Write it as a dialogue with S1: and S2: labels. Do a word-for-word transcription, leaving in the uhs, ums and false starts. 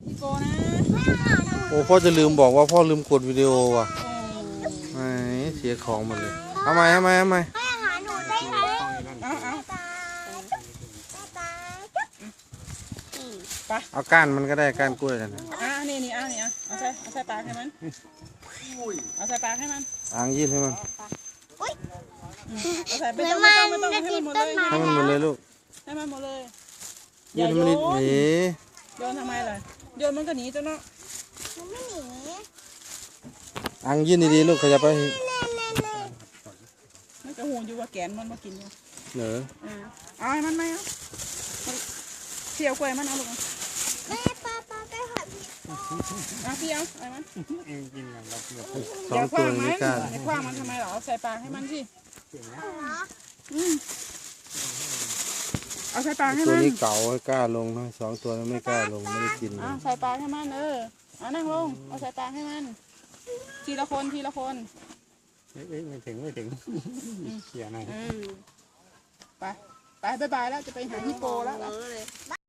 S1: ฮิปโปนะ
S2: โอ้พ่อจะลืมบอกว่าพ่อลืมกดวิดีโอว่ะไหนเสียของหมดเลยทำไมทำไมทำไม
S3: ให้อาหารหนูได้ไหม
S1: เอาเอา
S3: ตาตา
S1: ไป
S2: เอาก้านมันก็ได้ก้านกล้วยนั่นนะ
S1: อ่ะนี่นี่เอานี่เอาเอาใส่เอาใส่ปากให้มันเอาใส่ปากให้มัน
S2: อ่างยื่นให้มัน
S1: เอาใส่ไม่ต้องไม่ต้องไม่ต้องให้มันหมดเลย
S2: ให้มันหมดเลยลูก
S1: ให้มันหมดเลย
S2: ยื่นให้มันนิดหนี
S1: โยนทำไมล่ะโยนมันก็หนีจ้ะเนาะ
S3: หนูไม่หนี
S2: อ่างยื่นดีๆลูกขยับไป
S1: มันจะหูอยู่ว่าแกนมันมากินอยู่
S2: เหนอ
S1: อ่าเอาให้มันไหมเอาเที่ยวกล้วยมันเอาลูก
S3: แม่ปลาปลาไปหาพี่
S1: เอาพี่เอาเอามัน
S2: สองตัวไม่กล้า
S1: ไม่คว้างมันทำไมหรอใส่ปากให้มันสิ
S3: เหรอ
S1: อืมเอาใส่ปากให้
S2: ตัว
S1: มัน
S2: นี้เก่าให้กล้าลงนะสองตัวนั้นไม่กล้าลงไม่ได้กินเล
S1: เอา
S2: ย
S1: ใส่ปากให้มันเออเอานั่งลงเอาใส่ปากให้มันทีละคนทีละคน
S4: เอ้ยไม่ถึงไม่ถึงเขียนหน่อย
S1: เออไปไปบายบายแล้วจะไปหาฮิปโปแล้ว